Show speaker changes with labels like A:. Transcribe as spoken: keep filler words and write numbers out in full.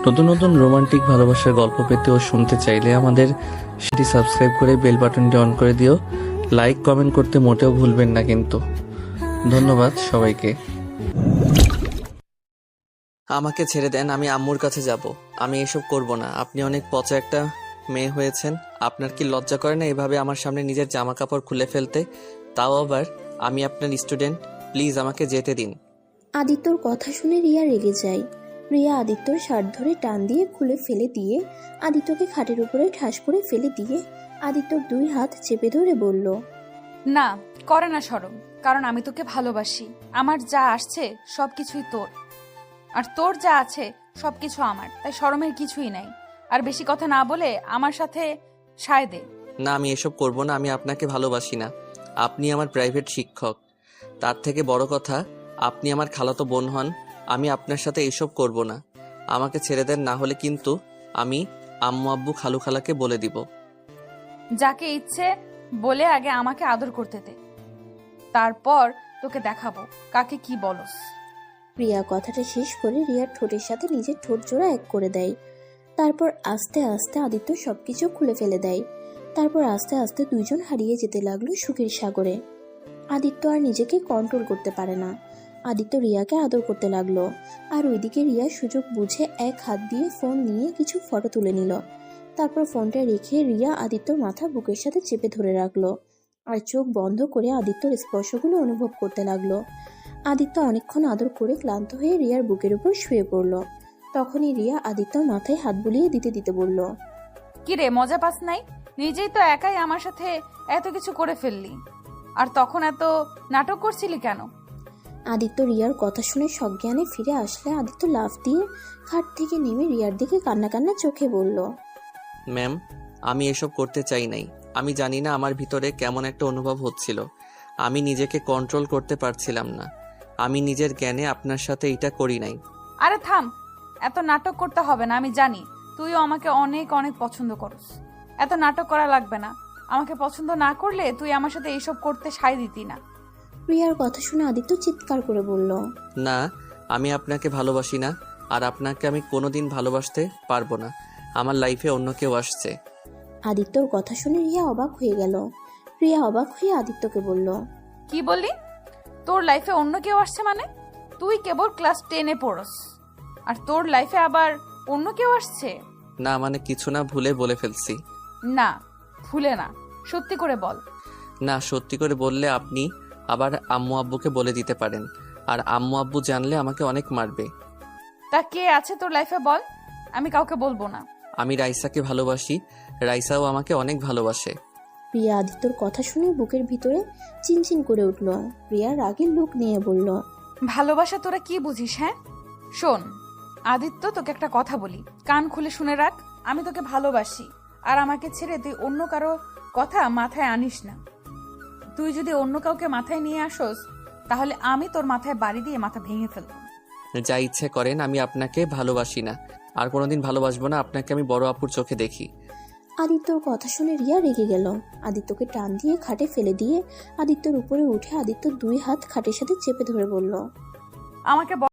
A: নতুন নতুন রোমান্টিক ভালোবাসার গল্প পেতে ও শুনতে চাইলে আমাদের সেটি সাবস্ক্রাইব করে বেল বাটনটি অন করে দিও। লাইক কমেন্ট করতে মোটেও ভুলবেন না কিন্তু। ধন্যবাদ সবাইকে।
B: আমাকে ছেড়ে দেন, আমি আম্মুর কাছে যাব। আমি এসব করব না। আপনি অনেক পচা একটা মেয়ে হয়েছেন। আপনার কি লজ্জা করে না এভাবে আমার সামনে নিজের জামা কাপড় খুলে ফেলতে? তাও আবার আমি আপনার স্টুডেন্ট। প্লিজ আমাকে যেতে দিন।
C: আদিত্যর কথা শুনে রিয়া রেগে যায়। রিয়া আদিত্যর শার্ট ধরে টান দিয়ে খুলে ফেলে দিয়ে আদিত্যকে খাটের উপরে ঠাস করে ফেলে দিয়ে আদিত্যর দুই হাত চেপে ধরে বলল,
D: না, করে না শরম, কারণ আমি তোকে ভালোবাসি। আমার যা আসছে সব কিছুই তোর, আর তোর যা আছে সবকিছু আমার, তাই শরমের কিছুই নাই। আর বেশি কথা না বলে আমার সাথে সায় দে।
B: না, আমি এসব করব না। আমি আপনাকে ভালোবাসি না। আপনি আমার প্রাইভেট শিক্ষক। তার থেকে বড় কথা, আপনি আমার খালাতো বোন হন। আমি আপনার সাথে এসব করব না। আমাকে ছেড়ে দেন, না হলে কিন্তু আমি আম্মু আব্বু খালু খালাকে বলে দিব।
D: যাকে ইচ্ছে বলে আগে আমাকে আদর করতে দে, তারপর তোকে দেখাবো কাকে কি বলস।
C: রিয়া কথাটা শেষ করে রিয়ার ঠোঁটের সাথে নিজের ঠোঁট জোড়া এক করে দেয়। তারপর আস্তে আস্তে আদিত্য সবকিছু খুলে ফেলে দেয়। তারপর আস্তে আস্তে দুইজন হারিয়ে যেতে লাগলো সুখের সাগরে। আদিত্য আর নিজেকে কন্ট্রোল করতে পারে না। আদিত্য রিয়াকে আদর করতে লাগলো, আর ওইদিকে রিয়া সুযোগ বুঝে এক হাত দিয়ে ফোন নিয়ে কিছু ফটো তুলে নিল। তারপর ফোনটা রেখে রিয়া আদিত্যর মাথা বুকের সাথে চেপে ধরে রাখলো, আর চোখ বন্ধ করে আদিত্যর স্পর্শগুলো অনুভব করতে লাগলো। আদিত্য অনেকক্ষণ আদর করে ক্লান্ত হয়ে রিয়ার বুকের উপর শুয়ে পড়ল। তখনই রিয়া আদিত্যর মাথায় হাত বুলিয়ে দিতে দিতে বলল,
D: কি রে, মজা পাস নাই? নিজেই তো একাই আমার সাথে এত কিছু করে ফেললি, আর তখন এত নাটক করছিলি কেন?
C: আদিত্য রিয়ার কথা শুনে সজ্ঞানে ফিরে আসলে আদিত্য লাফ দিয়ে খাট থেকে নেমে রিয়ার দিকে কান্না কান্না চোখে বলল,
B: ম্যাম, আমি এসব করতে চাই নাই। আমি জানি না আমার ভিতরে কেমন একটা অনুভব হচ্ছিল। আমি নিজেকে কন্ট্রোল করতে পারছিলাম না। আমি নিজের জ্ঞানে আপনার সাথে এটা করি নাই।
D: আরে থাম, এত নাটক করতে হবে না। আমি জানি তুইও আমাকে অনেক অনেক পছন্দ করস। এত নাটক করা লাগবে না। আমাকে পছন্দ না করলে তুই আমার সাথে এইসব করতে সায় দিতি না।
C: রিয়ার কথা শুনে আদিত্য চিৎকার করে বলল,
B: না, আমি আপনাকে ভালোবাসি না, আর আপনাকে আমি কোনোদিন ভালোবাসতে পারবো না। আমার লাইফে অন্য কেউ আসছে।
C: আদিত্যর কথা শুনে রিয়া অবাক হয়ে গেল। রিয়া অবাক হয়ে আদিত্যকে বলল,
D: কি বললি? তোর লাইফে অন্য কেউ আসছে মানে? তুই কেবল ক্লাস টেনে পড়স, আর তোর লাইফে আবার অন্য কেউ আসছে?
B: না মানে কিছু না, ভুলে বলে ফেলছি।
D: না, ভুলে না, সত্যি করে বল।
B: না, সত্যি করে বললে আপনি আবার আম্মু আব্বুকে বলে দিতে পারেন, আর আম্মু আব্বু জানলে আমাকে অনেক মারবে।
D: তা কে আছে তোর লাইফে বল, আমি কাউকে বলবো না।
B: আমি রাইসাকে ভালোবাসি, রাইসাও আমাকে অনেক ভালোবাসে।
C: রিয়া আদিত্যর কথা শুনে বুকের ভিতরে চিনচিন করে উঠল। রিয়া রাগের লোক নিয়ে বলল,
D: ভালোবাসা তোরা কি বুঝিস? হ্যাঁ শোন আদিত্য, তোকে একটা কথা বলি, কান খুলে শুনে রাখ। আমি তোকে ভালোবাসি, আর আমাকে ছেড়ে তুই অন্য কারো কথা মাথায় আনিস না। তুই যদি অন্য কাউকে মাথায় নিয়ে আসোস, তাহলে আমি তোর মাথায় বাড়ি দিয়ে মাথা ভেঙে ফেলবো।
B: যা ইচ্ছে করেন, আমি আপনাকে ভালোবাসি না, আর কোনোদিন ভালোবাসবো না। আপনাকে আমি বড় আপুর চোখে দেখি।
C: আদিত্যর কথা শুনে রিয়া রেগে গেল। আদিত্যকে টান দিয়ে খাটে ফেলে দিয়ে আদিত্যর উপরে উঠে আদিত্য দুই হাত খাটের সাথে চেপে ধরে বলল,
D: আমাকে